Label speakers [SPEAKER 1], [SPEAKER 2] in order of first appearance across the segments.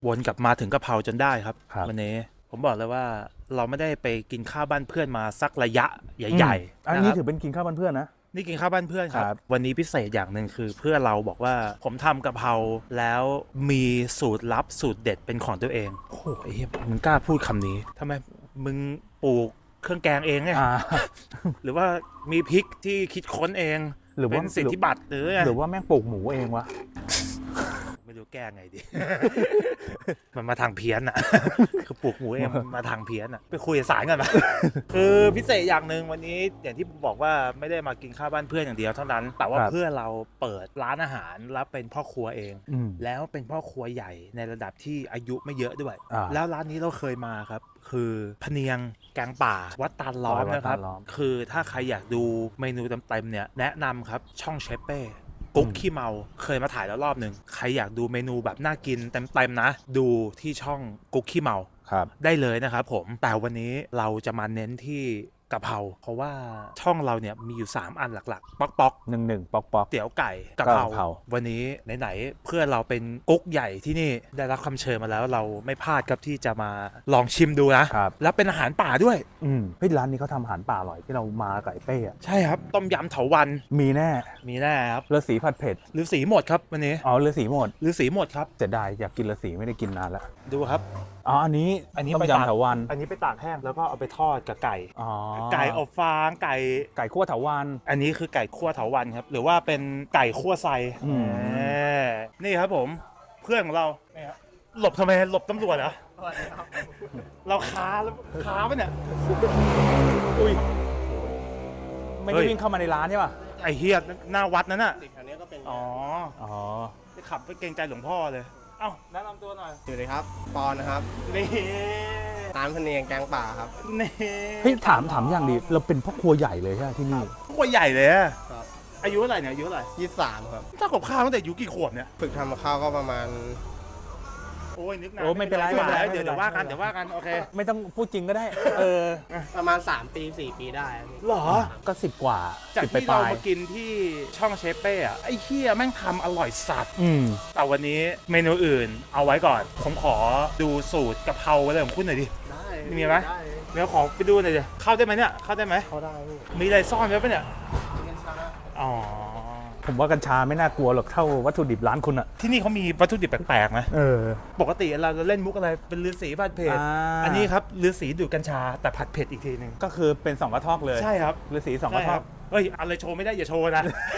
[SPEAKER 1] วนกลับมาถึงกะเพราจนได้ครับ
[SPEAKER 2] ครับ
[SPEAKER 1] วันนี้ผมบอกเลยว่าเราไม่ได้ไปกินข้าวบ้านเพื่อนมาสักระยะใหญ่ๆ
[SPEAKER 2] อัน
[SPEAKER 1] นะค
[SPEAKER 2] นี้
[SPEAKER 1] รับ
[SPEAKER 2] ถือเป็นกินข้าวบ้านเพื่อนนะ
[SPEAKER 1] นี่กินข้าวบ้านเพื่อนครั
[SPEAKER 2] ครับ บ
[SPEAKER 1] วันนี้พิเศษอย่างหนึ่งคือเพื่อนเราบอกว่าผมทำกะเพราแล้วมีสูตรลับสูตรเด็ดเป็นของตัวเองโอ้โหไอ้เหี้ยมึงกล้าพูดคำนี้ทำไมมึงปลูกเครื่องแกงเองไง
[SPEAKER 2] อ่า
[SPEAKER 1] หรือว่ามีพริกที่คิดค้นเอง
[SPEAKER 2] หรือว่า
[SPEAKER 1] เป็นสิทธิบัตรหรือไง
[SPEAKER 2] หรือว่าแม่งปลูกหมูเองวะ
[SPEAKER 1] ไม่รู้แก้ไงดี มันมาทางเพี้ยนอ่ะ คือปลูกหมูเองมันมาทางเพี้ยนอ่ะ ไปคุยกับสารกันมา คือพิเศษอย่างหนึ่งวันนี้อย่างที่ผมบอกว่าไม่ได้มากินข้าวบ้านเพื่อนอย่างเดียวเท่านั้น แต่ว่า
[SPEAKER 2] ครับ
[SPEAKER 1] เพื่อนเราเปิดร้านอาหารแล้วเป็นพ่อครัวเอง
[SPEAKER 2] อืม
[SPEAKER 1] แล้วเป็นพ่อครัวใหญ่ในระดับที่อายุไม่เยอะด้วย
[SPEAKER 2] อ่า
[SPEAKER 1] แล้วร้านนี้เราเคยมาครับ คือพะเนียงแกงป่าวัดตาลล้อม
[SPEAKER 2] วัด
[SPEAKER 1] นะครับ
[SPEAKER 2] ตาลล้อม
[SPEAKER 1] คือถ้าใครอยากดูเมนูเต็มๆเนี่ยแนะนำครับช่องเชฟเป้กุ๊กขี้เมาเคยมาถ่ายแล้วรอบหนึ่งใครอยากดูเมนูแบบน่ากินเต็มๆนะ ดูที่ช่องกุ๊กขี้เมา
[SPEAKER 2] ครับ
[SPEAKER 1] ได้เลยนะครับผมแต่วันนี้เราจะมาเน้นที่กะเพราเพราะว่าช่องเราเนี่ยมีอยู่ 3 อันหลักๆป๊อก
[SPEAKER 2] 1-1 ปอก
[SPEAKER 1] เตี๋ยวไก่กะเพ
[SPEAKER 2] กะเพ
[SPEAKER 1] รา
[SPEAKER 2] รา
[SPEAKER 1] วันนี้ไหนๆเพื่อนเราเป็นกุ๊กใหญ่ที่นี่ได้รับคำเชิญมาแล้วเราไม่พลาดครับที่จะมาลองชิมดูนะครับ แล้วเป็นอาหารป่าด้วย
[SPEAKER 2] เฮ้ยร้านนี้เขาทำอาหารป่าอร่อยที่เรามาไก่เป้อะ
[SPEAKER 1] ใช่ครับต้มยำเถาวัลย์
[SPEAKER 2] มีแน่
[SPEAKER 1] มีแน่ครับ
[SPEAKER 2] เรือสีผัดเผ็ด
[SPEAKER 1] หรือสีหมดครับวันนี้
[SPEAKER 2] อ๋อเรือสีหมด
[SPEAKER 1] หรือสีหมดครับ
[SPEAKER 2] เสียดายอยากกินเรือสีไม่ได้กินนานแล้ว
[SPEAKER 1] ดูครับ
[SPEAKER 2] อ๋ออันนี้
[SPEAKER 1] อันนี้
[SPEAKER 2] ต้ม
[SPEAKER 1] ไปตาก
[SPEAKER 2] ยำเถาวัน
[SPEAKER 1] อันนี้ไปตากแห้งแล้วก็เอาไปทอดกับไก่
[SPEAKER 2] อ๋อ
[SPEAKER 1] ไก่อบฟางไก่
[SPEAKER 2] ไก่คั่วเถาวัน
[SPEAKER 1] อันนี้คือไก่คั่วเถาวัลย์ครับหรือว่าเป็นไก่คั่วไซ
[SPEAKER 2] อืม
[SPEAKER 1] นี่ครับผมเพื่อนของเรานี่ครับหลบทำไมหลบตำรวจเหรอเราค้าแล้วค้าปะเนี่ยอุ้ย
[SPEAKER 2] ไม่
[SPEAKER 1] เฮ้
[SPEAKER 2] ได้
[SPEAKER 1] ย
[SPEAKER 2] วิ่งเข้ามาในร้านใช่ป่ะ
[SPEAKER 1] ไอเฮียหน้าวัดนั้นน่ะ
[SPEAKER 3] แถวนี้ก็เป็น
[SPEAKER 1] อ๋อ
[SPEAKER 2] อ๋อ
[SPEAKER 1] ไปขับไปเกรงใจหลวงพ่อเลยเอ้าแนะนำตัวหน่อย
[SPEAKER 3] อยู่เลยครับ ปอนนะครับ
[SPEAKER 1] นี่
[SPEAKER 3] ร้านพะเนียงแกงป่าครับ
[SPEAKER 1] นี่
[SPEAKER 2] เฮ้ยถามอย่างดีเราเป็นพ่อครัวใหญ่เลยใช่ไหมที่นี่
[SPEAKER 1] ตัวใหญ่เลยอะ
[SPEAKER 3] ครับ
[SPEAKER 1] อายุเท่าไหร่เนี่ยอายุเท่าไหร่
[SPEAKER 3] 23 ครับ
[SPEAKER 1] ถ้ากับข้าวตั้งแต่อายุกี่ขวบเนี่ย
[SPEAKER 3] ฝึกทำกับข้าวก็ประมาณ
[SPEAKER 1] โอ้ยนึกนาน
[SPEAKER 2] โอ้ไม่เป็นไรไม่เป็นไร
[SPEAKER 1] เดี๋ยวว่ากันเดี๋ยวว่ากันโอเค
[SPEAKER 2] ไม่ต้องพูดจริงก็ได้ เออ
[SPEAKER 3] ประมาณ 3 ปี 4 ปีได้ครับ
[SPEAKER 1] หรอ
[SPEAKER 2] ก็10 กว่า
[SPEAKER 1] จาก
[SPEAKER 2] 10
[SPEAKER 1] ที่
[SPEAKER 2] ป
[SPEAKER 1] เรา
[SPEAKER 2] ลาย
[SPEAKER 1] มากินที่ช่องเชฟเป้อะไอ้เฮียแม่งทำอร่อยสัตว์
[SPEAKER 2] อืม
[SPEAKER 1] แต่วันนี้เมนูอื่นเอาไว้ก่อน ผมขอดูสูตรกะเพราอะไรของคุณหน่อยดิ
[SPEAKER 3] ได้
[SPEAKER 1] มีไหม
[SPEAKER 3] ได้
[SPEAKER 1] เดี๋ยวขอไปดูหน่อยดิเข้าได้ไหมเนี่ยเข้าได้ไหม
[SPEAKER 3] เขาได้พี่
[SPEAKER 1] มีอะไรซ่อนไว้ปะเนี่ย
[SPEAKER 3] กินกันช้า
[SPEAKER 1] อ๋อ
[SPEAKER 2] ผมว่ากัญชาไม่น่ากลัวหรอกเท่าวัตถุดิบร้านคุณอะ
[SPEAKER 1] ที่นี่เขามีวัตถุดิบแปลกๆไหม
[SPEAKER 2] เออ
[SPEAKER 1] ปกติเราจะเล่นมุกอะไรเป็นฤาษีผัดเผ็ดอันนี้ครับฤาษีดูดกัญชาแต่ผัดเผ็ดอีกทีหนึ่ง
[SPEAKER 2] ก็คือเป็น2กระทอกเลย
[SPEAKER 1] ใช่ครับ
[SPEAKER 2] ฤาษี2ก
[SPEAKER 1] ใช่
[SPEAKER 2] ระท
[SPEAKER 1] ค
[SPEAKER 2] อ
[SPEAKER 1] รั
[SPEAKER 2] ก
[SPEAKER 1] บเฮ้ยอะไรโชว์ไม่ได้อย่าโชว์นะ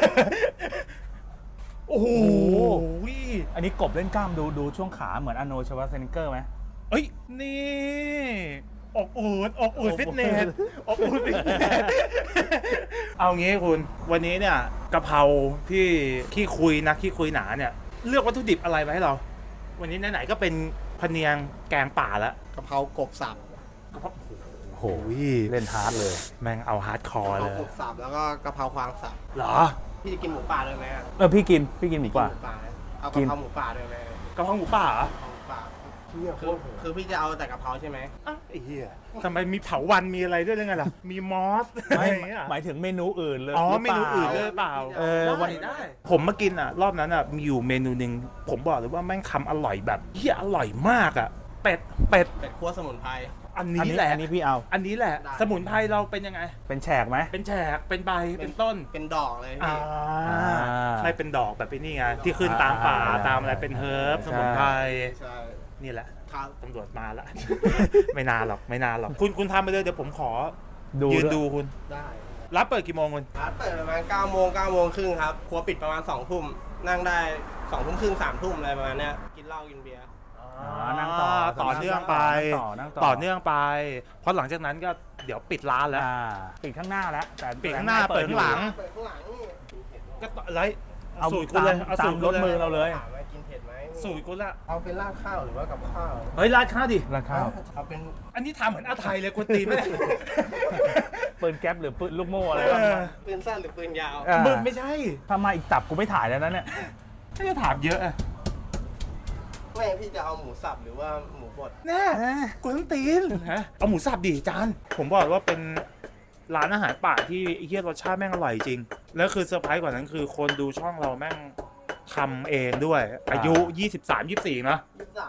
[SPEAKER 1] โอ้โห
[SPEAKER 2] อันนี้กบเล่นกล้ามดูช่วงขาเหมือนอาร์โนลด์ชวาร์เซเนกเกอร์ไหม
[SPEAKER 1] เอ้ยนี่อกอูดฟิตเนสอกอูดฟิตเนส เอางี้คุณวันนี้เนี่ยกะเพราที่ขี้คุยนะขี้คุยหนาเนี่ยเลือกวัตถุดิบอะไรมาให้เรา วันนี้ไหนๆก็เป็นพะเนียงแกงป่าแล้ว
[SPEAKER 3] กะเพรากบสับ
[SPEAKER 1] กะเพรา
[SPEAKER 2] โอ้โห
[SPEAKER 1] โอ้ย
[SPEAKER 2] เล่นฮาร์ดเลย
[SPEAKER 1] แม่งเอาฮาร์ดคอร์
[SPEAKER 3] กะเพ
[SPEAKER 1] เล
[SPEAKER 3] ราย กบสับแล้วก็กะเพราควางสับ
[SPEAKER 1] เหรอ
[SPEAKER 3] พี่จะกินหมูป่าด้วยไหมอะ
[SPEAKER 2] พี่กินหมูป่า
[SPEAKER 3] หมูป่าไหมเอา
[SPEAKER 2] กิ
[SPEAKER 3] กะ
[SPEAKER 2] น
[SPEAKER 3] เพราหมูป่าด้วยไหม
[SPEAKER 1] กะเพราหมูป่าเหรอก
[SPEAKER 3] ะเพราหมูป่า
[SPEAKER 1] เฮียโค
[SPEAKER 3] คือ
[SPEAKER 1] ตรโหด
[SPEAKER 3] คือพี่จะเอาแต่กะเพราใช่ไหม
[SPEAKER 1] อ่ะไอ้เหี้ยทำไมมีเถาวันมีอะไรด้วยหรือไงล่ะ มีมอสอะไรอย่างเงี้ย
[SPEAKER 2] หมายถึงเมนูอื่นเลย
[SPEAKER 1] อ๋อ
[SPEAKER 2] หรื
[SPEAKER 1] เมนูอื่นด้วยเปล่า
[SPEAKER 2] เออ
[SPEAKER 1] ได้ได้ผมมากินอ่ะ รอบนั้นอ่ะมีอยู่เมนูหนึ่งผมบอกเลยว่าแม่งทำอร่อยแบบเฮียอร่อยมากอ่ะเป็ด
[SPEAKER 3] เป็ดคั่วสมุนไพร
[SPEAKER 1] อัน
[SPEAKER 2] อัน
[SPEAKER 1] นี้
[SPEAKER 2] นี้
[SPEAKER 1] แหละ
[SPEAKER 2] อันนี้พี่เอา
[SPEAKER 1] อันนี้แหละ
[SPEAKER 3] ได้
[SPEAKER 1] สมุนไพรเราเป็นยังไง
[SPEAKER 2] เป็นแฉกไหม
[SPEAKER 1] เป็นแฉกเป็นใบเป็นต้น
[SPEAKER 3] เป็นดอกเลย
[SPEAKER 1] อ่า
[SPEAKER 3] พี่
[SPEAKER 1] ใช่เป็นดอกแบบนี้ไงที่ขึ้นตามป่าตามอะไรเป็นเฮิร์บสมุนไพร
[SPEAKER 3] ใช่
[SPEAKER 1] นี่แหละ
[SPEAKER 3] ครับ
[SPEAKER 1] ตำรวจมาละ ไม่นานหรอกไม่นานหรอกคุณทำไปเลยเดี๋ยวผมขอ
[SPEAKER 2] ดู
[SPEAKER 1] ยืน
[SPEAKER 2] ด้วย
[SPEAKER 1] ดูคุณ
[SPEAKER 3] ได้
[SPEAKER 1] รับเปิดกี่โมงคุณ
[SPEAKER 3] ร้านเปิดประมาณ9โมง9โมงครึ่งครับ ครัวปิดประมาณ2ทุ่ม นั่งได้2ทุ่มครึ่ง3ทุ่มอะไรประมาณเนี้ย กินเหล้ากินเบียร์
[SPEAKER 2] นั่งต่อ
[SPEAKER 1] ต่อเนื่องไป
[SPEAKER 2] นั่ง
[SPEAKER 1] ต่อเนื่องไปเพราะหลังจากนั้นก็เดี๋ยวปิดร้านแล้ว
[SPEAKER 2] ปิดข้างหน้าแล้วแต่
[SPEAKER 1] ปิดข้างหน้าเปิดข้างหลัง
[SPEAKER 3] เปิดข้างหลังนี่
[SPEAKER 1] ก็ต่อไร
[SPEAKER 2] เอา
[SPEAKER 1] สูตรคุณเลย
[SPEAKER 2] ตาม
[SPEAKER 1] สูตร
[SPEAKER 2] รถมือเราเลย
[SPEAKER 3] ถามว่ากินเผ็ดไหม
[SPEAKER 1] สูตรคุณละ
[SPEAKER 3] เอาเป็นราดข้าวหรือว่ากับข้าว
[SPEAKER 1] เฮ้ยราดข้าวดิ
[SPEAKER 2] ราข้าว
[SPEAKER 3] เอาเป็น
[SPEAKER 1] อันนี้ทำเหมือนอาไทยเลยคุณตีไม่ได้
[SPEAKER 2] ปืนแก๊ปหรือปืนลูกโม่อะไร
[SPEAKER 1] เอ
[SPEAKER 2] บ้าง
[SPEAKER 1] อ
[SPEAKER 3] ปืนสั้นหรือปืนยาว
[SPEAKER 1] มึงไม่ใช่
[SPEAKER 2] ถ้ามาอีกตับกูไม่ถ่ายแล้วนะเนี่ย
[SPEAKER 1] ถ้าจะถามเยอะอะ
[SPEAKER 3] ไม่พี่จะเอาหมูสับหรือว่าหมูบด
[SPEAKER 1] แน่กวนตีนฮะเอาหมูสับดิจานผมบอกว่าเป็นร้านอาหารป่าที่ไอ้เหี้ยรสชาติแม่งอร่อยจริงแล้วคือเซอร์ไพรส์กว่านั้นคือคนดูช่องเราแม่งทำเองด้วย อายุ 23-24 นะ
[SPEAKER 3] 23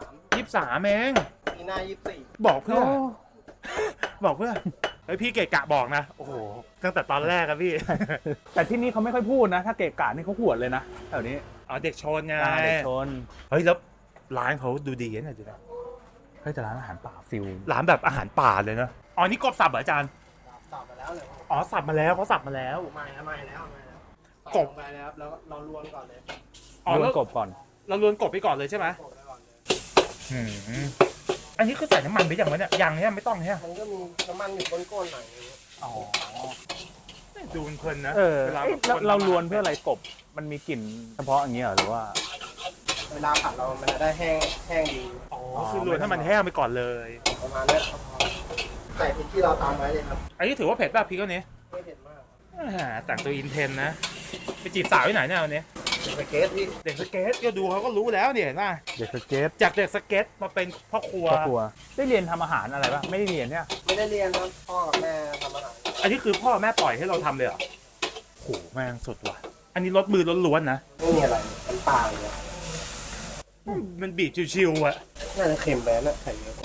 [SPEAKER 1] 23เอง
[SPEAKER 3] ปีหน้า24
[SPEAKER 1] บอกเพื่อ บอกเพื่อเฮ้ยพี่เกะกะบอกนะ โอ้โห ตั้งแต่ตอนแรกอะพี่
[SPEAKER 2] แต่ที่นี่เขาไม่ค่อยพูดนะ ถ้าเกะกะนี่เขาหวดเลยนะแถวนี้
[SPEAKER 1] อ๋อเด็กชนไง
[SPEAKER 2] เด็กชน
[SPEAKER 1] เฮ้ยแล้วร้านเขาดูดีนะดูนะ
[SPEAKER 2] เฮ้ยแต่ร้านอาหารป่าฟิล
[SPEAKER 1] ร้านแบบอาหารป่าเลยนะ อ๋อนี่กบสับเหรออาจารย์
[SPEAKER 3] สับมาแล้วเลย
[SPEAKER 1] อ๋อสับมาแล้วเขาสับมาแล้ว
[SPEAKER 3] ไม่แล้ว
[SPEAKER 1] กบ
[SPEAKER 3] ไปแล้วแล้วเราลวนก่อนเลย
[SPEAKER 1] อ๋อ
[SPEAKER 2] ลว
[SPEAKER 1] แล้
[SPEAKER 2] น
[SPEAKER 1] ว
[SPEAKER 2] กบก่อน
[SPEAKER 1] เราลวนกบไปก่อนเลยใช่ไหม
[SPEAKER 3] กบไปก่อนเลย
[SPEAKER 1] อืมอันนี้คือใส่น้ำมันไปอย่างวะเนี่ยยังเนี่ยไม่ต้องเนี่ย
[SPEAKER 3] มันก็มีน้ำมันอยู่ก้นๆหน่อยนึง
[SPEAKER 1] อ๋อดูเพลินๆนะ
[SPEAKER 2] เออ
[SPEAKER 1] วลา
[SPEAKER 2] เอ๊ะ
[SPEAKER 1] แบบ
[SPEAKER 2] เราลวนเพื่ออะไรกบ มันมีกลิ่นเฉพาะอย่างเงี้ยเหรอหรือว่า
[SPEAKER 3] เวลาผัดเรามันจะได้แห้งดี
[SPEAKER 1] อ๋อคือลวนให้มันแห้งไปก่อนเลย
[SPEAKER 3] ประมาณนี้ใส่พริกที่เราตำไว้เลยครับ
[SPEAKER 1] อันนี้ถือว่าเผ็ดป่ะพี่ก็นี้
[SPEAKER 3] ไม่เผ็ดมาก
[SPEAKER 1] แต่งตัวอินเทนนะไปจีบสาวที่ไหนเนี่ยวันนี้
[SPEAKER 3] สเกตพี่
[SPEAKER 1] เด็กสเก็ตก็ดูเขาก็รู้แล้วเนี่ยเห็นป่ะ
[SPEAKER 2] เด็กสเก็ต
[SPEAKER 1] จากเด็กสเก็ตมาเป็นพ่อครัว
[SPEAKER 2] ครอบครัวได้เรียนทำอาหารอะไรปะไม่ได้เรียนเนี่ย
[SPEAKER 3] ไม่ได้เรียนครับพ่อกับแม่ทำอาหาร
[SPEAKER 1] อันนี้คือพ่อแม่ปล่อยให้เราทำเลยเหรอโหแม่งสุดว่ะ อันนี้รสมือล้วนๆนะ
[SPEAKER 3] ไม่มีอะไรมันปลาเลย
[SPEAKER 1] มันบีบชิวๆอ่ะ
[SPEAKER 3] น่าจะเค็มไปนะใส่เยอะ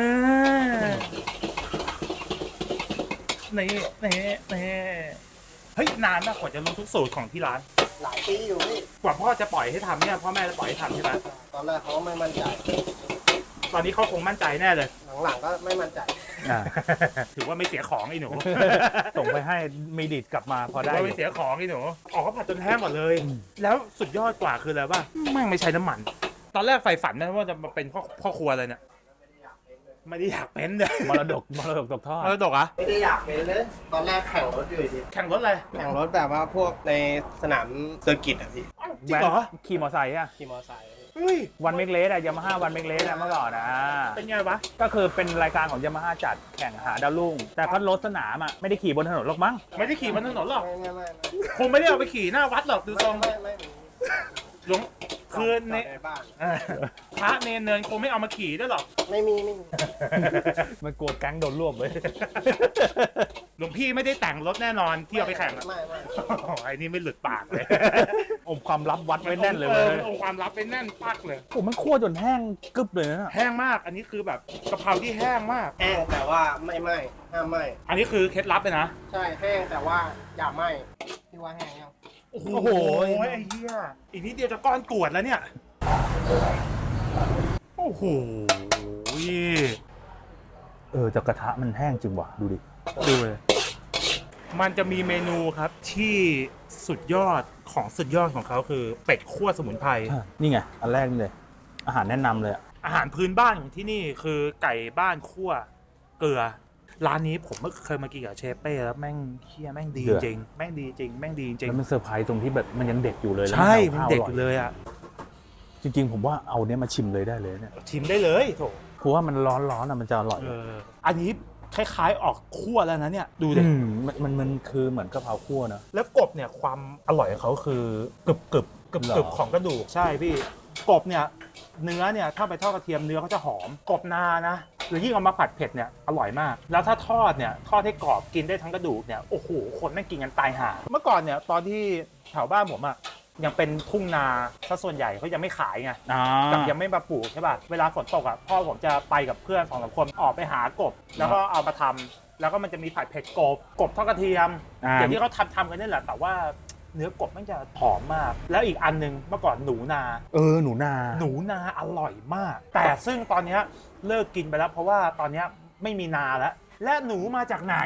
[SPEAKER 1] นี่เฮ้ยนานมากกว่าจะรู้ทุกสูตรของที่ร้าน
[SPEAKER 3] หลายปีอยู่พี่
[SPEAKER 1] กว่าพ่อจะปล่อยให้ทำเนี่ยพ่อแม่จะปล่อยให้ทำใช่ไหม
[SPEAKER 3] ตอนแรกเขาก็ไม่มั่นใจ
[SPEAKER 1] ตอนนี้เขาคงมั่นใจแน่เลย
[SPEAKER 3] หลังๆก็ไม่มั่นใจ
[SPEAKER 2] อ่า
[SPEAKER 1] ถือว่าไม่เสียของไอ้หนู
[SPEAKER 2] ส่งไปให้มีดิดกลับมาพอ
[SPEAKER 1] ถื
[SPEAKER 2] ได้
[SPEAKER 1] อว่า
[SPEAKER 2] อ
[SPEAKER 1] ไม่
[SPEAKER 2] ยู่
[SPEAKER 1] เสียของไอ้หนูออกเขาผัดจนแห้งหมดเลย แล้วสุดยอดกว่าคืออะไรป่ะแม่งไม่ใช้น้ำมัน ตอนแรกใฝ่ฝันนะว่าจะมาเป็นพ่อครัวเลยเนี่ยไม่ได้อยากเป็นเลย
[SPEAKER 2] มรดกตกทอด
[SPEAKER 1] มรดกอะ
[SPEAKER 3] ไม่ได้อยากเป็นเลย ตอนแรกแข่งรถอยู่ดี
[SPEAKER 1] แข่งรถอะไร
[SPEAKER 3] แข่งรถแบบว่าพวกในสนามเซอร์กิตอ่ะพี่
[SPEAKER 1] จริงเหรอ
[SPEAKER 2] ขี่มอเตอร์ไซค์อะ
[SPEAKER 3] ขี่มอเตอร์ไซค์
[SPEAKER 1] เฮ้ย
[SPEAKER 2] วันเมกเลสอะยามาฮ่าวันเมกเลสอะเมื่อก่อนอะ
[SPEAKER 1] เป็นไงวะ
[SPEAKER 2] ก็คือเป็นรายการของยามาฮ่าจัดแข่งหาดาวรุ่ง แต่เขารถสนามอะไม่ได้ขี่บนถนนหรอกมั้ง
[SPEAKER 1] ไม่ได้ขี่บนถนนหรอก
[SPEAKER 3] ไม่
[SPEAKER 1] คงไม่ได้เอาไปขี่หน้าวัดหรอกดูทรง
[SPEAKER 3] ไม่
[SPEAKER 1] หลวงคือใน
[SPEAKER 3] ในบ้าน
[SPEAKER 1] เออพระเนรเนินคงไม่เอามาขี่ด้วยหรอก
[SPEAKER 3] ไม่มี
[SPEAKER 2] มันกลัวแก๊งโดนรวบเลย
[SPEAKER 1] หลวงพี่ไม่ได้แต่งรถแน่นอนที่เอาไปแข่งอะ
[SPEAKER 3] ไม่
[SPEAKER 1] โอ้ยไอ้นี่ไม่หลุดปากเลย
[SPEAKER 2] อมความลับวัดไว้แน่นเลย
[SPEAKER 1] เอ
[SPEAKER 2] เว้
[SPEAKER 1] อย เอาความลับไปแน่นปักเลย
[SPEAKER 2] โอ้มันคั่วจนแห้งกึบเลยนะ
[SPEAKER 1] แห้งมาก อันนี้คือแบบกะเพราที่แห้งมาก
[SPEAKER 3] แห้งแต่ว่าไม่ไหม้ห้ามไหม้
[SPEAKER 1] อันนี้คือเคล็ดลับเลยนะ
[SPEAKER 3] ใช่แห้งแต่ว่าอย่าไหม้พี่ว่าแห้งยัง
[SPEAKER 1] โอ้โหไอ้เหี้ยอีกนิดเดียวจะก้อนกรวดแล้วเนี่ย โอ้โห
[SPEAKER 2] จากกระทะมันแห้งจริงว่ะดูดิ
[SPEAKER 1] ดูเลย มันจะมีเมนูครับที่สุดยอดของสุดยอดของเขาคือเป็ดคั่วสมุนไพร
[SPEAKER 2] นี่ไงอันแรกนี่เลย อาหารแนะนำเลยอะ
[SPEAKER 1] อาหารพื้นบ้านของที่นี่คือไก่บ้านคั่วเกลือ ร้านนี้ผมเมื่อเคยมากินกับเชฟเป้แล้วแม่งเฮียแม่งดีจริงแม่งดีจริงแม่งดีจริง
[SPEAKER 2] แล้วมันเซอร์ไพรส์ตรงที่แบบมันยังเด็กอยู่เลยแล้ว
[SPEAKER 1] ใช่
[SPEAKER 2] มั
[SPEAKER 1] มัน
[SPEAKER 2] น
[SPEAKER 1] เด็กอยู่เลยอ่ะ
[SPEAKER 2] จริงๆผมว่าเอาเนี้ยมาชิมเลยได้เลยเนี่ย
[SPEAKER 1] ชิมได้เลยโถ
[SPEAKER 2] เพราะว่ามันร้อนๆอะมันจะอร่อย
[SPEAKER 1] อันนี้คล้ายๆออกคั่วแล้วนะเนี่ยดูดิ
[SPEAKER 2] มันคือเหมือนกะเพราคั่วนะ
[SPEAKER 1] แล้วกบเนี่ยความอร่อยของเขาคือกรึบกรึบกรึบ
[SPEAKER 2] เหรอ
[SPEAKER 1] กรึบของกระดูกใช่พี่กบเนี่ยเนื้อเนี่ยถ้าไปทอดกระเทียมเนื้อเขาจะหอมกบนานะหรือยิ่งเอามาผัดเผ็ดเนี่ยอร่อยมาก แล้วถ้าทอดเนี่ยทอดให้กรอบกินได้ทั้งกระดูกเนี่ยโอ้โหคนแม่งกินกันตายห่าเมื่อก่อนเนี่ยตอนที่แถวบ้านผมอะยังเป็นทุ่งนาซะส่วนใหญ่เขายังไม่ขายไง กับยังไม่มาปลูกใช่ป่ะ เวลาฝนตกอ่ะพ่อผมจะไปกับเพื่อน2-3 คนออกไปหากบ แล้วก็เอามาทำแล้วก็มันจะมีผัดเผ็ดกบทอดกระเทียมอย่างที่เขาทำกันนี่แหละแต่ว่าเนื้อกบมันจะหอมมาก แล้วอีกอันนึงเมื่อก่อนหนูนา
[SPEAKER 2] หนูนา
[SPEAKER 1] อร่อยมาก แต่ซึ่งตอนเนี้ยเลิกกินไปแล้วเพราะว่าตอนเนี้ยไม่มีนาแล้ว และหนูมาจากไหน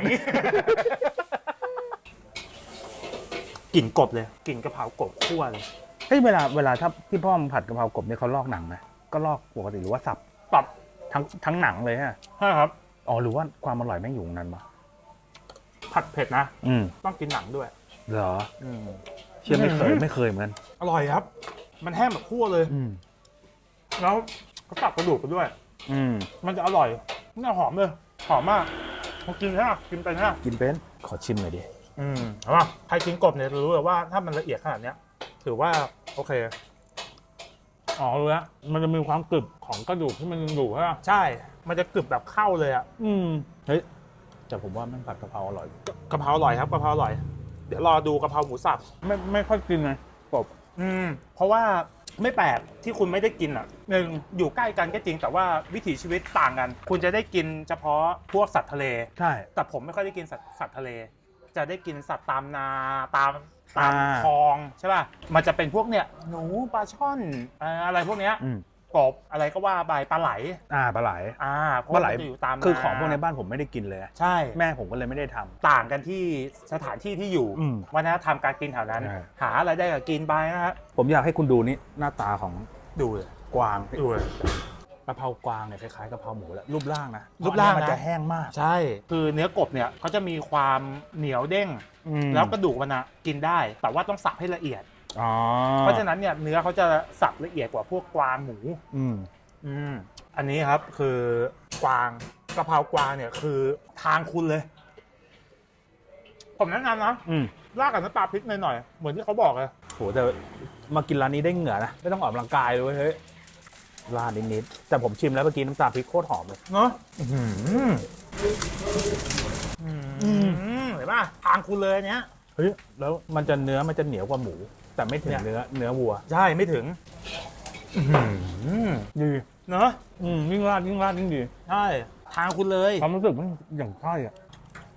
[SPEAKER 1] กลิ่นกบเลยกลิ่นกะเพรากบคั่วเลย
[SPEAKER 2] เฮ้ยเวลาถ้าที่พ่อมันผัดกะเพรากบเนี่ยเขาลอกหนังไหมก็ลอกปกติหรือว่าสับ
[SPEAKER 1] ปรับ
[SPEAKER 2] ทั้งหนังเลยฮะ
[SPEAKER 1] ใช่ครับ
[SPEAKER 2] อ๋อหรือว่าความอร่อยแม่งอยู่ตรงนั้นปะ
[SPEAKER 1] ผัดเผ็ดนะ
[SPEAKER 2] อืม
[SPEAKER 1] ต้องกินหนังด้วย
[SPEAKER 2] เหรอเชื่อไม่เคยเหมือนกัน
[SPEAKER 1] อร่อยครับ มันแห้งแบบคั่วเลย แล้วเขาตับกระดูกไปด้วย มันจะอร่อยน่าหอมเลย หอมมากพอกินนะกินไปนะ
[SPEAKER 2] กินเป็นขอชิมหน่อยดิ
[SPEAKER 1] เอาป่ะใครกินกบเนี่ยจะรู้เลยว่าถ้ามันละเอียดขนาดเนี้ยถือว่าโอเค
[SPEAKER 2] อ๋อรู้แล้วมันจะมีความกรึบของกระดูกที่มันยังอยู่ใช่ไหม
[SPEAKER 1] ใช่ มันจะกรึบแบบเข้าเลยอ่ะ
[SPEAKER 2] เฮ้ยแต่ผมว่าแม่งผัดกะเพราอร่อย
[SPEAKER 1] กะเพราอร่อยครับกะเพราอร่อย เดี๋ยวรอดูกะเพราหมูสับ
[SPEAKER 2] ไม่ค่อยกินเลยกบ
[SPEAKER 1] เพราะว่าไม่แปลกที่คุณไม่ได้กินอ่ะหนึ่งอยู่ใกล้กันก็จริงแต่ว่าวิถีชีวิตต่างกัน คุณจะได้กินเฉพาะพวกสัตว์ทะเล
[SPEAKER 2] ใช่
[SPEAKER 1] แต่ผมไม่ค่อยได้กินสัตว์ทะเล จะได้กินสัตว์ตามนาตาม
[SPEAKER 2] อ่า
[SPEAKER 1] คลองใช่ป่ะมันจะเป็นพวกเนี่ยหนูปลาช่อนอะไรพวกเนี้ย กบอะไรก็ว่าไปปลาไหล
[SPEAKER 2] ปลาไหล
[SPEAKER 1] เพราะ
[SPEAKER 2] ปลาไหล
[SPEAKER 1] มันจะอยู่ตาม
[SPEAKER 2] คือของพวกในบ้านผมไม่ได้กินเลย
[SPEAKER 1] ใช่
[SPEAKER 2] แม่ผมก็เลยไม่ได้ทำ
[SPEAKER 1] ต่างกันที่สถานที่ที่อยู่ วัฒนธรรมการกินแถวนั้น
[SPEAKER 2] ใช่
[SPEAKER 1] หาอะไรได้ก็กินไปนะฮะ
[SPEAKER 2] ผมอยากให้คุณดูนี่หน้าตาของ
[SPEAKER 1] ดูเลย
[SPEAKER 2] กวาง
[SPEAKER 1] ดูเลย
[SPEAKER 2] กะเพรากวางเนี่ยคล้ายๆกะเพราหมูแหละรูปร่างนะ
[SPEAKER 1] รูปร่างนะ
[SPEAKER 2] มันจะแห้งมาก
[SPEAKER 1] ใช่ คือเนื้อกบเนี่ยเขาจะมีความเหนียวเด้ง แล้วกระดูกมันอะกินได้ แต่ว่าต้องสับให้ละเอียด เพราะฉะนั้นเนี่ยเนื้อเขาจะสับละเอียดกว่าพวกกวางหมูอันนี้ครับคือกวางกะเพรากวางเนี่ยคือทางคุณเลย ผมแนะนำนะราดกับน้ำปลาพริกหน่อยๆเหมือนที่เขาบอกเลย
[SPEAKER 2] โหแต่มากินร้านนี้ได้เหงื่อนะไม่ต้องออกกำลังกายเลยเฮ้ยราดนิดๆแต่ผมชิมแล้วเมื่อกี้น้ำตาลพริกโคตรหอมเลย
[SPEAKER 1] เนาะเห็นป่ะทางคุณเลยเนี้ย
[SPEAKER 2] เฮ้ยแล้วมันจะเหนียวกว่าหมู แต่ไม่ถึงเนื้อวัว
[SPEAKER 1] ใช่ไม่ถึงดีเนาะ
[SPEAKER 2] ยิ่งราดยิ่งดี
[SPEAKER 1] ใช่ทางคุณเลย
[SPEAKER 2] ความรู้สึกมันอย่างใช่อ่ะ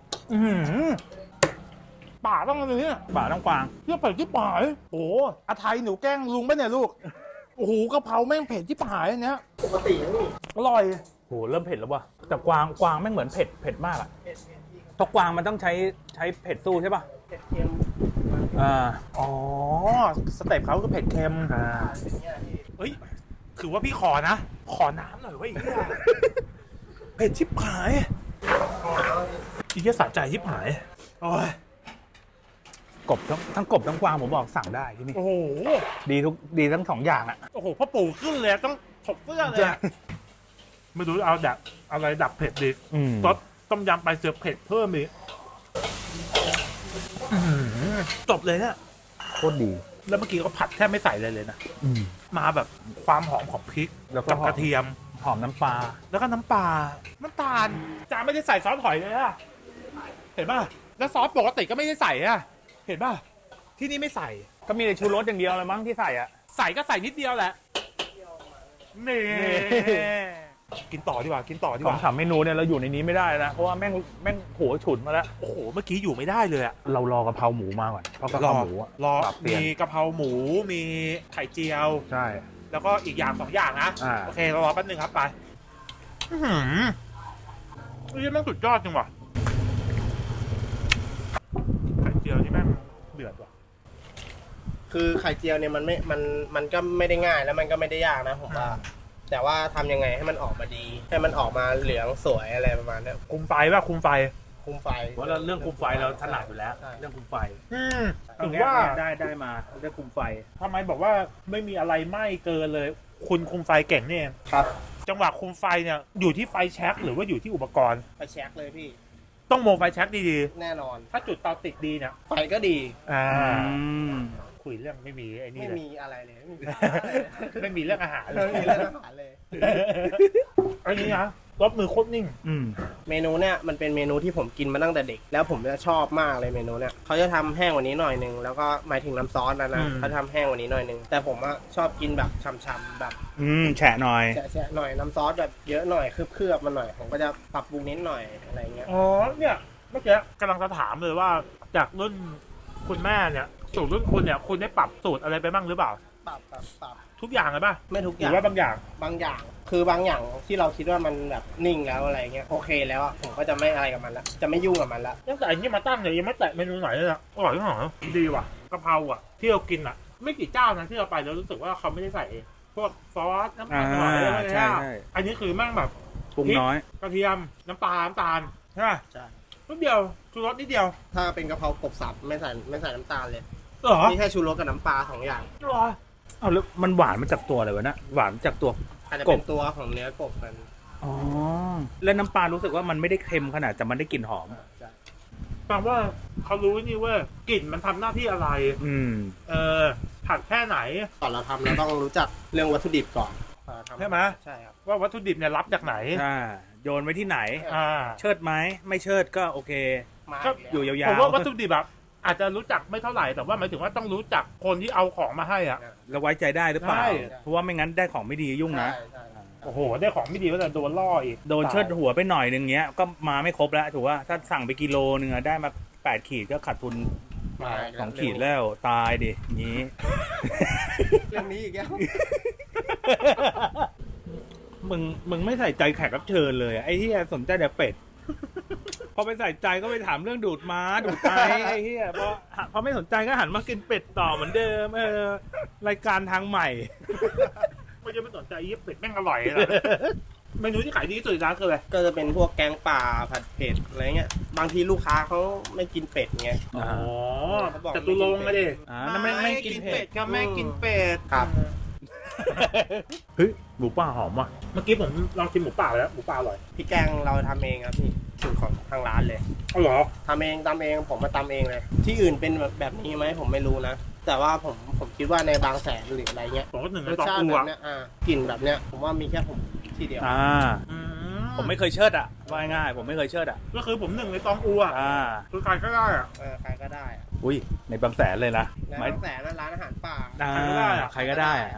[SPEAKER 1] ป่าต้องอะไรเนี่ย
[SPEAKER 2] ป่าต้องกวาง
[SPEAKER 1] เที่ยวเผ็ดที่ป่ายโอ้อาไทยหนูแกล้งลุงป่ะเนี่ยลูกโอ้โหกะเพราแม่งเผ็ดที่ป่ายอันเนี้ย
[SPEAKER 3] ปกตินะพี่
[SPEAKER 1] อร่อย
[SPEAKER 2] โหเริ่มเผ็ดแล้วว่ะแต่กวางไม่งเหมือนเผ็ดมากอ่ะเพราะกวางมันต้องใช้เผ็ดสู้ใช่ป่ะ
[SPEAKER 3] เผ็ดเค็ม
[SPEAKER 1] อ๋อสเต็ปเขาคือเผ็ดเค็ม
[SPEAKER 3] เป็นเงี้ยพี่
[SPEAKER 1] เฮ้ยถือว่าพี่ขอนะ ขอน้ำหน่อยเว้ยไอ้เหี้ยเผ็ดชิบหายอีเหี้ยสะใจชิบหายโอ้ย
[SPEAKER 2] กบทั้งกบทั้งกวางผมบอกสั่งได้ที่นี่
[SPEAKER 1] โอ้โห
[SPEAKER 2] ดีทั้งสองอย่างอ่ะ
[SPEAKER 1] โอ้โหพ่อปู่ขึ้นเลยต้องถกเสื้อเลยอะไม่รู้เอาดับอะไรดับเผ็ดดีซดต้มยำไปเสือเผ็ดเพิ่มอีกจบเลยเนี่ย
[SPEAKER 2] โคตรดี
[SPEAKER 1] แล้วเมื่อกี้ก็ผัดแทบไม่ใส่เลยนะมาแบบความหอมของพริก
[SPEAKER 2] แล้วก็
[SPEAKER 1] กับกระเทียม
[SPEAKER 2] หอมน้ำปลา
[SPEAKER 1] แล้วก็น้ำปลาน้ำตาลจานไม่ได้ใส่ซอสหอยเลยอะเห็นป่ะแล้วซอสปกติก็ไม่ได้ใส่อะเห็นป่ะที่นี่ไม่ใส่
[SPEAKER 2] ก็มีแต่ชูรสอย่างเดียวเลยมั้งที่ใส่อ่ะ
[SPEAKER 1] ใส่ก็ใส่นิดเดียวแหละนี่กินต่อดีกว่ากินต่อดี
[SPEAKER 2] ส
[SPEAKER 1] ก
[SPEAKER 2] อง
[SPEAKER 1] ว่า
[SPEAKER 2] สามเมนูเนี่ยเราอยู่ในนี้ไม่ได้นะเพราะว่าแม่งโหฉุนมาแล้ว
[SPEAKER 1] โอ้โหเมื่อกี้อยู่ไม่ได้เลยอะ
[SPEAKER 2] เรารอกะเพราหมูมาก่อนเพราะกะเพราหมูอะ
[SPEAKER 1] รอ
[SPEAKER 2] ปรับเปลี่ยน
[SPEAKER 1] มีกะเพราหมูมีไข่เจียว
[SPEAKER 2] ใช่
[SPEAKER 1] แล้วก็อีกอย่าง2อย่างนะ โอเคเรารอแป๊บนึงครับไปนี่แม่งสุดยอดจริงว่ะไข่เจียวนี่แม่งเดือดว่ะ
[SPEAKER 3] คือไข่เจียวเนี่ยมันก็ไม่ได้ง่ายแล้วมันก็ไม่ได้ยากนะผมว่าแต่ว่าทำยังไงให้มันออกมาดี ให้มันออกมาเหลืองสวยอะไรประมาณนี้
[SPEAKER 1] คุมไฟป่ะคุมไฟ
[SPEAKER 3] คุมไฟ
[SPEAKER 2] เพราะเรื่องคุมไฟเราถนัดอยู่แล้ว เรื่องคุมไฟ
[SPEAKER 1] ถึงว่า
[SPEAKER 2] ได้มาเรื่องคุมไฟ
[SPEAKER 1] ทำไมบอกว่าไม่มีอะไรไหม้เกินเลย คุณคุมไฟเก่งนี่เอง
[SPEAKER 3] ครับ
[SPEAKER 1] จังหวะคุมไฟเนี่ยอยู่ที่ไฟแช็กหรือว่าอยู่ที่อุปกรณ์
[SPEAKER 3] ไปเช็คเลยพี่
[SPEAKER 1] ต้องโมไฟแช็กดี
[SPEAKER 3] แน่นอน
[SPEAKER 1] ๆถ้าจุดเตาติดดีเนี่ย
[SPEAKER 3] ไฟก็ดี
[SPEAKER 1] คุยเรื่องไม่มีไอ้นี่
[SPEAKER 3] ไม่
[SPEAKER 1] เลย
[SPEAKER 3] มีอะไรเลยไม่มี
[SPEAKER 1] ไม่มีเรื่องอาหารเล
[SPEAKER 3] ไม่
[SPEAKER 1] ย
[SPEAKER 3] มีเรื่องอาหารเลย
[SPEAKER 1] อันนี้นะรสมือโคตรนิ่ง
[SPEAKER 3] เมนูเนี่ยมันเป็นเมนูที่ผมกินมาตั้งแต่เด็ก แล้วผมจะชอบมากเลยเมนูเนี่ยเขาจะทำแห้งกว่านี้หน่อยนึงแล้วก็หมายถึงน้ำซอสนะเขาทำแห้งกว่านี้หน่อยนึงแต่ผมอะชอบกินแบบช่ำๆแบบ
[SPEAKER 2] แฉะหน่อย
[SPEAKER 3] แฉะๆหน่อยน้ำซอสแบบเยอะหน่อยเคลือบๆมาหน่อยผมก็จะปรับปรุงนิดหน่อยอะไรเงี้ย
[SPEAKER 1] อ๋อเนี่ยเมื่อกี้กำลังจะถามเลยว่าจากรุ่นคุณแม่เนี่ยสูตรรุ่นคุณเนี่ยคุณได้ปรับสูตรอะไรไปบ้างหรือเปล่า
[SPEAKER 3] ปรับ
[SPEAKER 1] ทุกอย่างเลยป่ะ
[SPEAKER 3] ไม่ทุกอ
[SPEAKER 1] หรื
[SPEAKER 3] ย่าง
[SPEAKER 1] อว่าบางอย่าง
[SPEAKER 3] บางอย่างคือบางอย่างที่เราคิดว่ามันแบบนิ่งแล้วอะไรเงี้ยโอเคแล้วอะผมก็จะไม่อะไรกับมันละจะไม่ยุ่งกับมันละ
[SPEAKER 1] ตั้งแต่อันนี้มาตั้งเนี่ยยังไม่แตะเมนูไหนเลยนะอร่อยที่หอดีว่ะกะเพราอ่ะที่เรากินอ่ะ ไม่กี่เจ้านะที่เราไปแล้วรู้สึกว่าเขาไม่ได้ใส่พวกซอสน้ำตาลหน่อยอะไร
[SPEAKER 2] ใช่
[SPEAKER 1] เนี่ย
[SPEAKER 2] ใช่
[SPEAKER 1] อันนี้คือแม่งแบบ
[SPEAKER 2] ปรุงน้อย
[SPEAKER 1] กระเทียมน้ำปลาน้ำตาลใช่ไหม
[SPEAKER 3] ใช่
[SPEAKER 1] นิดเดียวชูรสนิดเดียว
[SPEAKER 3] ถ้าเป็นกะเพรากบสับไม่ใส่น้ำตาลเลย
[SPEAKER 1] เหรอ
[SPEAKER 3] มีแค่ชูรสกับน้ำปลา2อย่าง
[SPEAKER 1] เหรอ
[SPEAKER 2] เอาแล้วมันหวานมาจากตัวอะไรวะนะหวานจากตัว
[SPEAKER 3] อาจจะเป็นตัวของเนื้อกบมัน
[SPEAKER 2] อ๋อแล้วน้ำปลารู้สึกว่ามันไม่ได้เค็มขนาดแต่มันได้กลิ่นหอม
[SPEAKER 1] แปลว่าเขารู้นี่เว่ากลิ่นมันทำหน้าที่อะไร ผัดแค่ไหน
[SPEAKER 3] ก่อนเราทำเราต้องรู้จักเรื่องวัตถุดิบก่อนทำ
[SPEAKER 1] ใช่ไหม
[SPEAKER 3] ใช่ครับ
[SPEAKER 1] ว่าวัตถุดิบเนี่ยรับจากไหน
[SPEAKER 2] โยนไว้ที่ไหน
[SPEAKER 1] อ่า
[SPEAKER 2] เชิดไหมไม่เชิดก็โอเค
[SPEAKER 3] มา
[SPEAKER 1] ก็
[SPEAKER 3] อีกแล้ว
[SPEAKER 2] อยู่ยาวๆ
[SPEAKER 1] ผมว่าวัตถุดิบแบบอาจจะรู้จักไม่เท่าไหร่แต่ว่าหมายถึงว่าต้องรู้จักคนที่เอาของมาให้อ่ะ
[SPEAKER 2] แล้วไว้ใจได้หรือเปล่า
[SPEAKER 1] ใช่
[SPEAKER 2] เพราะว่าไม่งั้นได้ของไม่ดียุ่งนะ
[SPEAKER 3] ใช่
[SPEAKER 1] โอ้โหได้ของไม่ดีก็จะโดนล่ออีก
[SPEAKER 2] โดนเชิดหัวไปหน่อยนึงเงี้ยก็มาไม่ครบแล้วถูกว่าถ้าสั่งไปกิโลนึงอะได้มา8 ขีดก็ขาดทุน2 ขีดแล้วตายดิงี้
[SPEAKER 3] เรื่องนี้อีกแล้ว
[SPEAKER 2] มึงไม่ใส่ใจแขกรับเชิญเลยอะไอ้ที่สนใจแต่เป็ด พอไปใส่ใจก็ไปถามเรื่องดูดม้าดูดไตไอ้เหี้ยพอไม่สนใจก็หันมากินเป็ดต่อเหมือนเดิมรายการทางใหม่
[SPEAKER 1] ไม่จะไม่สนใจยี่เป็ดแม่งอร่อยเลย เมนูที่ขายดีที่สุดในร้านคืออะไร
[SPEAKER 3] ก็จะเป็นพวกแกงป่าผัดเผ็ดอะไรเงี้ยบางทีลูกค้าเขาไม่กินเป็ดไง
[SPEAKER 2] อ๋อ
[SPEAKER 3] เขาบอก
[SPEAKER 1] จตุรงค์อะดิ
[SPEAKER 2] นั่นไม่กินเผ็ด
[SPEAKER 1] ก็ไม่กินเป็ด
[SPEAKER 3] ครับ
[SPEAKER 2] เฮ้ยหมูป่าหอมว่ะ
[SPEAKER 1] เมื่อกี้ผมลองกินหมูป่าไปแล้วหมูป่าอร่อย
[SPEAKER 3] พี่แกงเราทำเองครับพี่สูตรของทางร้านเลย
[SPEAKER 1] อ๋อเหรอ
[SPEAKER 3] ทำเองตำเองผมมาตำเองเลย ที่อื่นเป็นแบบนี้ไหมผมไม่รู้นะ แต่ว่าผมคิดว่าในบางแสนหรืออะไรเงี้ย
[SPEAKER 1] ผมก็หนึ่งใน
[SPEAKER 3] รส
[SPEAKER 1] สอง
[SPEAKER 3] ชาติ
[SPEAKER 1] อั
[SPEAKER 3] แบ
[SPEAKER 1] ว
[SPEAKER 3] บเนี้ยกลิ่นแบบเนี้ยผมว่ามีแค่ผมที่เดียว
[SPEAKER 2] ผมไม่เคยเชิดอ่ะว่าง่ายๆผมไม่เคยเชิดอ่ะ
[SPEAKER 1] ก็คือผมหนึ่งในสองอัวคือใครก็ได้อะ
[SPEAKER 3] ใครก็ได้อะ
[SPEAKER 2] อุ้ยในบางแสนเลยนะ
[SPEAKER 3] ใน
[SPEAKER 2] ไม่
[SPEAKER 3] บางแสนนะร้านอาหารป่า
[SPEAKER 2] ใครก็ได้อะ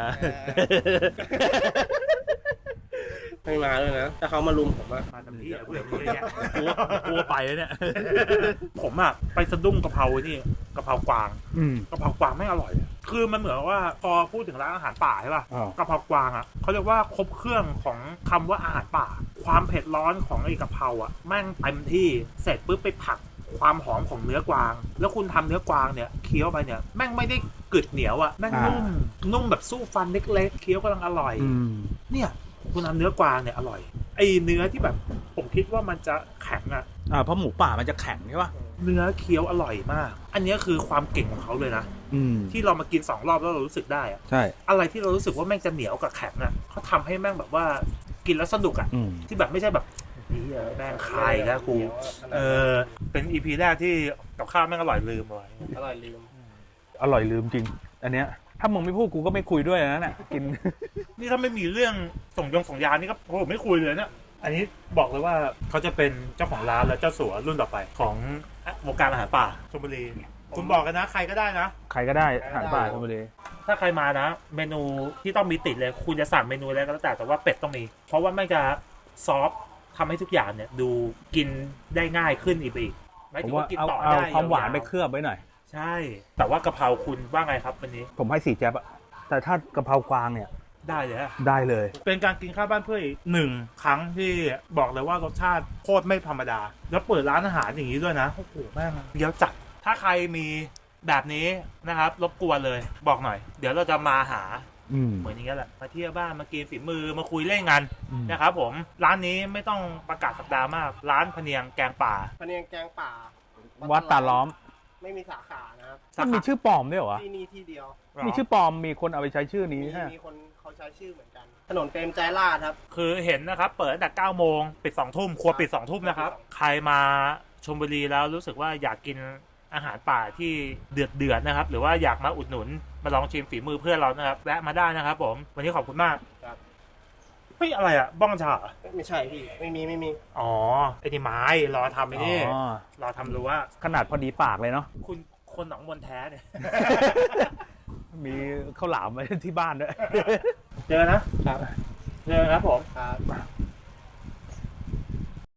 [SPEAKER 3] ไม่มาด้วยนะถ้าเขามาลุมผมอะ
[SPEAKER 1] มาทำที่อะไรพวกนี้เนี่ย
[SPEAKER 2] กลัวไปแล้วเนี่ย
[SPEAKER 1] ผมอะไปสะดุ้งกะเพรานี่กะเพรากวาง
[SPEAKER 2] อืม
[SPEAKER 1] กะเพรากวางไม่อร่อยอะคือมันเหมือนว่าพอพูดถึงร้านอาหารป่าใช่ป่ะ
[SPEAKER 2] อ้าว
[SPEAKER 1] กะเพรากวางอะเขาเรียกว่าครบเครื่องของคำว่าอาหารป่า ความเผ็ดร้อนของไอ้กะเพราอะแม่งเต็มที่เสร็จปุ๊บไปผักความหอมของเนื้อกวาง แล้วคุณทำเนื้อกวางเนี่ยเคี้ยวไปเนี่ยแม่งไม่ได้กึดเหนียวอะแม่งนุ่มแบบสู้ฟันเล็กๆเคี้ยวกำลังอร่อย
[SPEAKER 2] อืม
[SPEAKER 1] เนี่ยคุณทำเนื้อกวางเนี่ยอร่อยไอ้เนื้อที่แบบผมคิดว่ามันจะแข็งอะ
[SPEAKER 2] เพราะหมูป่ามันจะแข็งใช่ป่ะ
[SPEAKER 1] เนื้อเคี้ยวอร่อยมาก อันนี้คือความเก่งของเขาเลยนะ
[SPEAKER 2] อืม
[SPEAKER 1] ที่เรามากิน2 รอบแล้วเรารู้สึกได้อะ
[SPEAKER 2] ใช่
[SPEAKER 1] อะไรที่เรารู้สึกว่าแม่งจะเหนียวกับแข็งอะเขาทำให้แม่งแบบว่ากินแล้วสนุกอะ
[SPEAKER 2] อืม
[SPEAKER 1] ที่แบบไม่ใช่แบบนี่แม่งคายแล้วกูเป็นอีพีแรกที่กับข้าวแม่งอร่อยลืมไว้
[SPEAKER 3] อร่อยลืม
[SPEAKER 2] อร่อยลืมจริง อันเนี้ยถ้ามึงไม่พูดกูก็ไม่คุยด้วยนะเนี่ยกิน
[SPEAKER 1] นี่ถ้าไม่มีเรื่องส่งยานี่ก็โอ้โหไม่คุยเลยเนี่ยอันนี้บอกเลยว่าเขาจะเป็นเจ้าของร้านและเจ้าสัวรุ่นต่อไปของวงการอาหารป่าชลบุรีคุณบอกกันนะใครก็ได้นะ
[SPEAKER 2] ใครก็ได้อาหารป่าชลบุรี
[SPEAKER 1] ถ้าใครมานะ เมนูที่ต้องมีติดเลย คุณจะสั่งเมนูอะไรก็แล้วแต่ว่าเป็ดต้องมี เพราะว่าไม่จะซอฟต์ทำให้ทุกอย่างเนี่ยดูกินได้ง่ายขึ้นอีกหมาย
[SPEAKER 2] ผม
[SPEAKER 1] ถึง
[SPEAKER 2] ว่า
[SPEAKER 1] ว่ากิน
[SPEAKER 2] เอา
[SPEAKER 1] ต่อ
[SPEAKER 2] เอา
[SPEAKER 1] ได้
[SPEAKER 2] ความหวานไป
[SPEAKER 1] ยๆ
[SPEAKER 2] เคลือบไว้หน่อย
[SPEAKER 1] ใช่ แต่ว่ากะเพราคุณว่าไงครับวันนี้
[SPEAKER 2] ผมให้4 แจ๊บอะแต่ถ้ากะเพรากวางเนี่ย
[SPEAKER 1] ได้เลยอะ
[SPEAKER 2] ได้เลย
[SPEAKER 1] เป็นการกินข้าวบ้านเพื่อนอีก1 ครั้งที่บอกเลยว่ารสชาติโคตรไม่ธรรมดา แล้วเปิดร้านอาหารอย่างนี้ด้วยนะโอ้โหแม่งเดี๋ยวจัดถ้าใครมีแบบนี้นะครับรบกวนเลยบอกหน่อย เดี๋ยวเราจะมาหา
[SPEAKER 2] อืม
[SPEAKER 1] เหมือนอย่างเงี้ยแหละมาเที่ยวบ้านมากินฝีมือมาคุยเล่นกัน
[SPEAKER 2] อืม
[SPEAKER 1] นะครับผมร้านนี้ไม่ต้องประกาศสัปดาห์มาก ร้านพะเนียงแกงป่า
[SPEAKER 3] พะเนียงแกงป่า
[SPEAKER 2] วัดตาล้อม
[SPEAKER 3] ไม่มีสาขานะครับ
[SPEAKER 2] มันมีชื่อปลอมด้วยเหรอวะ
[SPEAKER 3] ที่นี่ที่เดียว
[SPEAKER 2] มีชื่อปลอมมีคนเอาไปใช้ชื่อนี้
[SPEAKER 3] มี
[SPEAKER 2] ฮะ
[SPEAKER 3] มีคนเขาใช้ชื่อเหมือนกัน ถนนเปรมใจราษฎร์ครับ
[SPEAKER 1] คือเห็นนะครับ เปิดตั้งแต่9 โมงปิด2 ทุ่มครัวปิด2 ทุ่มนะครับ ใครมาชลบุรีแล้วรู้สึกว่าอยากกินอาหารป่าที่เดือดๆนะครับ หรือว่าอยากมาอุดหนุนมาลองชิมฝีมือเพื่อนเรานะครับแวะมาได้นะครับผมวันนี้ขอบคุณมาก
[SPEAKER 3] ครับ
[SPEAKER 1] เฮ้ยอะไรอะบ้องฉา
[SPEAKER 3] ไม่ใช่พี่ ไม่มี
[SPEAKER 1] อ๋อไอ้นี่ไม้รอทำไอ้นี่
[SPEAKER 2] อ๋อ
[SPEAKER 1] รอทำรู้ว่า
[SPEAKER 2] ขนาดพอดีปากเลยเนาะ
[SPEAKER 1] คุณคนหนองมนแท้เนี่ย
[SPEAKER 2] มีข้าวหลามไว้ที่บ้านด้วย
[SPEAKER 1] เจอนะครับ เจอครับผม
[SPEAKER 3] ครับ